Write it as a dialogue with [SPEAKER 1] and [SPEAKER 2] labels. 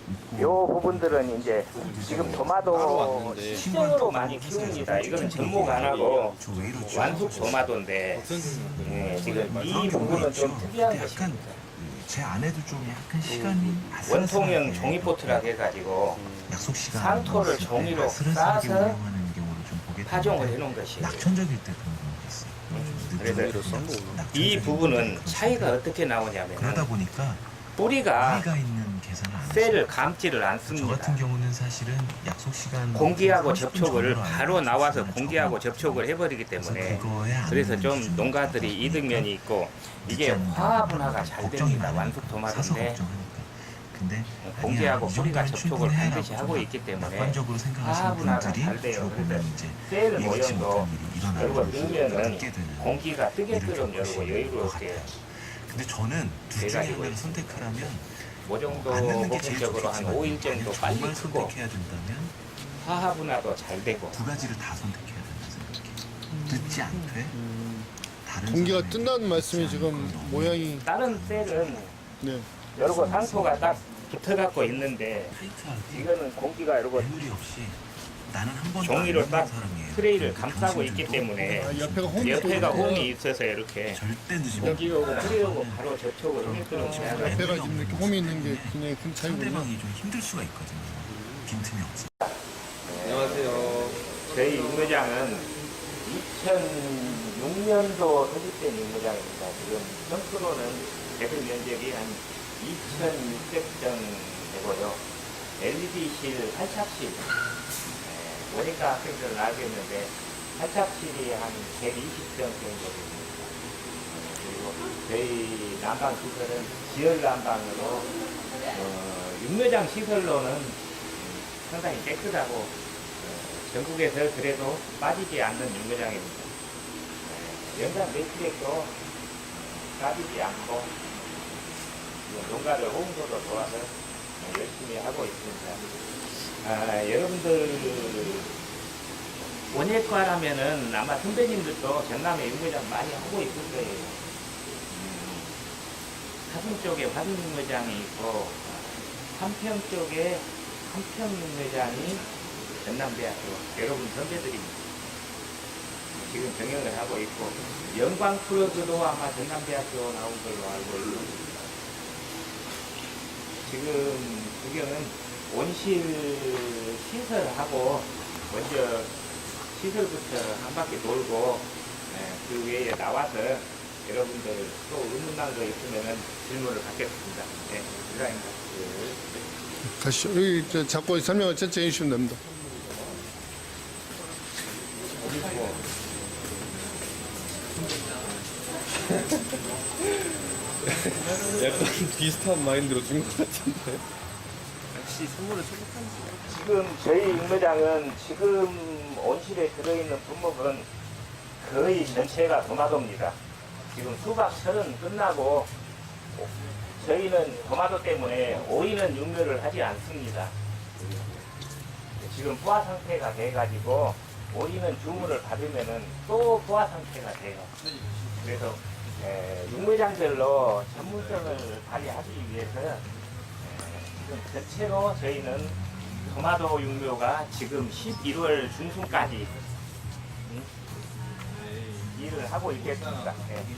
[SPEAKER 1] 요 부분들은 이제 지금 토마토 시중으로 많이 키웁니다. 이거는 접목 안 하고 완숙 토마토인데 지금 이 부분은 좀 특이한 것입니다.
[SPEAKER 2] 제 아내도 좀 약간 시간이
[SPEAKER 1] 원통형 종이포트라 해가지고
[SPEAKER 2] 약속 시간
[SPEAKER 1] 상토를 종이로 싸서
[SPEAKER 2] 운영하는 경우를 좀 보게
[SPEAKER 1] 파종을 해놓은 것이에요.
[SPEAKER 2] 낙천적일 때 그런 경우가 있어요.
[SPEAKER 1] 그래서 이 부분은 차이가 어떻게 나오냐면
[SPEAKER 2] 그러다 보니까
[SPEAKER 1] 뿌리가
[SPEAKER 2] 아이가 있는 계산을 안
[SPEAKER 1] 쇠를
[SPEAKER 2] 했어요.
[SPEAKER 1] 감지를
[SPEAKER 2] 저 같은
[SPEAKER 1] 않습니다.
[SPEAKER 2] 경우는 사실은 약속 시간
[SPEAKER 1] 공기하고
[SPEAKER 2] 30분
[SPEAKER 1] 접촉을
[SPEAKER 2] 전으로
[SPEAKER 1] 바로
[SPEAKER 2] 알고
[SPEAKER 1] 나와서
[SPEAKER 2] 있으면
[SPEAKER 1] 공기하고
[SPEAKER 2] 적어도
[SPEAKER 1] 접촉을 해버리기
[SPEAKER 2] 그래서
[SPEAKER 1] 때문에
[SPEAKER 2] 그거에 안
[SPEAKER 1] 그래서
[SPEAKER 2] 맞는
[SPEAKER 1] 좀
[SPEAKER 2] 기준이
[SPEAKER 1] 농가들이
[SPEAKER 2] 있다
[SPEAKER 1] 이득면이 있고 이게
[SPEAKER 2] 늦지 않는다.
[SPEAKER 1] 화분화가 잘
[SPEAKER 2] 걱정이
[SPEAKER 1] 됩니다.
[SPEAKER 2] 많으니까.
[SPEAKER 1] 완숙
[SPEAKER 2] 사서
[SPEAKER 1] 토마토인데
[SPEAKER 2] 걱정하니까. 근데
[SPEAKER 1] 공기하고
[SPEAKER 2] 아니야, 이
[SPEAKER 1] 뿌리가
[SPEAKER 2] 정도면
[SPEAKER 1] 접촉을
[SPEAKER 2] 충분히 해라고
[SPEAKER 1] 반드시 하고
[SPEAKER 2] 좀
[SPEAKER 1] 있기 때문에
[SPEAKER 2] 낙관적으로 생각하시는
[SPEAKER 1] 화분화가
[SPEAKER 2] 분들이
[SPEAKER 1] 잘 돼요.
[SPEAKER 2] 주로 보면
[SPEAKER 1] 그래서
[SPEAKER 2] 이제
[SPEAKER 1] 셀
[SPEAKER 2] 예기치
[SPEAKER 1] 모형도
[SPEAKER 2] 못한 일이 일어나는
[SPEAKER 1] 열고 넣으면은
[SPEAKER 2] 늦게 되는
[SPEAKER 1] 공기가
[SPEAKER 2] 일을
[SPEAKER 1] 뜨개처럼 열고
[SPEAKER 2] 겪으시는 것
[SPEAKER 1] 여유롭게
[SPEAKER 2] 같아요. 근데 저는 둘 중에
[SPEAKER 1] 돼가지고
[SPEAKER 2] 하나를
[SPEAKER 1] 있습니다.
[SPEAKER 2] 선택하라면
[SPEAKER 1] 그 정도
[SPEAKER 2] 안 넣는 게 제일
[SPEAKER 1] 보편적으로 한
[SPEAKER 2] 좋겠지만
[SPEAKER 1] 5일 정도
[SPEAKER 2] 만약
[SPEAKER 1] 빨리
[SPEAKER 2] 정말
[SPEAKER 1] 크고
[SPEAKER 2] 선택해야 된다면
[SPEAKER 1] 화합분화도 잘 되고
[SPEAKER 2] 두 가지를 다 선택해야 된다 생각해. 듣지 않되 다른
[SPEAKER 3] 공기가
[SPEAKER 2] 사람에게
[SPEAKER 3] 뜬다는 말씀이
[SPEAKER 2] 듣지
[SPEAKER 3] 지금
[SPEAKER 2] 않고 너무
[SPEAKER 3] 모양이
[SPEAKER 1] 다른 셀은
[SPEAKER 3] 네.
[SPEAKER 1] 여러고 상토가 딱 붙어갖고 있는데
[SPEAKER 2] 타이트하게
[SPEAKER 1] 이거는 공기가 여러고
[SPEAKER 2] 매물이 없이 나는 한 번도
[SPEAKER 1] 종이로
[SPEAKER 2] 안
[SPEAKER 1] 딱
[SPEAKER 2] 해본 사람이에요.
[SPEAKER 1] 트레이를
[SPEAKER 2] 근데
[SPEAKER 1] 감싸고 있기
[SPEAKER 2] 당신들도
[SPEAKER 1] 때문에
[SPEAKER 3] 아, 옆에가 홈이
[SPEAKER 1] 옆에가
[SPEAKER 3] 있거든요.
[SPEAKER 1] 홈이 있어서 이렇게
[SPEAKER 2] 절대 늦으면
[SPEAKER 1] 공기 오고 뿌리 오고 바로 접촉을 하게끔 해야 돼요.
[SPEAKER 3] 옆에가 지금 이렇게 홈이 있는 게 굉장히 큰 차이군요.
[SPEAKER 2] 상대방이 좀 힘들 수가 있거든요. 빈틈이 없어.
[SPEAKER 4] 안녕하세요.
[SPEAKER 1] 저희 육묘장은 2006년도 설립된 육묘장입니다. 지금 평수로는 대들 면적이 한 2,600평 되고요. LED실, 활착실, 모니까 학생들은 알겠는데 활착실이 한 120평 정도 됩니다. 그리고 저희 난방 시설은 지열 난방으로 육묘장 시설로는 상당히 깨끗하고 전국에서 그래도 빠지지 않는 육묘장입니다. 연간 매출액도 빠지지 않고 농가를 홍보도 도와서 열심히 하고 있습니다. 여러분들 원예과라면은 아마 선배님들도 전남에 육묘장 많이 하고 있을 거예요. 사슴 쪽에 화순 육묘장이 있고 한평 쪽에 한평 육묘장이 전남대학교 여러분 선배들입니다. 지금 경영을 하고 있고 영광 프로그도 아마 전남대학교 나온 걸로 알고 있습니다. 지금 구경은 온실 시설하고 먼저 시설부터 한 바퀴 돌고 그 외에 나와서 여러분들 또 의문난 거 있으면 질문을 받겠습니다. 네, 이상입니다.
[SPEAKER 3] 가시죠. 여기 잡고 설명을 천천히 해주시면 됩니다.
[SPEAKER 4] 약간 비슷한 마인드로 준 것 같은데.
[SPEAKER 1] 지금 저희 육묘장은 지금 온실에 들어있는 분목은 거의 전체가 토마토입니다. 지금 수박 철은 끝나고 저희는 토마토 때문에 오이는 육묘를 하지 않습니다. 지금 부화 상태가 돼가지고 오이는 주문을 받으면은 또 부화 상태가 돼요. 그래서 육묘장별로 전문성을 발휘하기 위해서 지금 전체로 저희는 토마토 육묘가 지금 11월 중순까지 일을 하고 있겠습니다.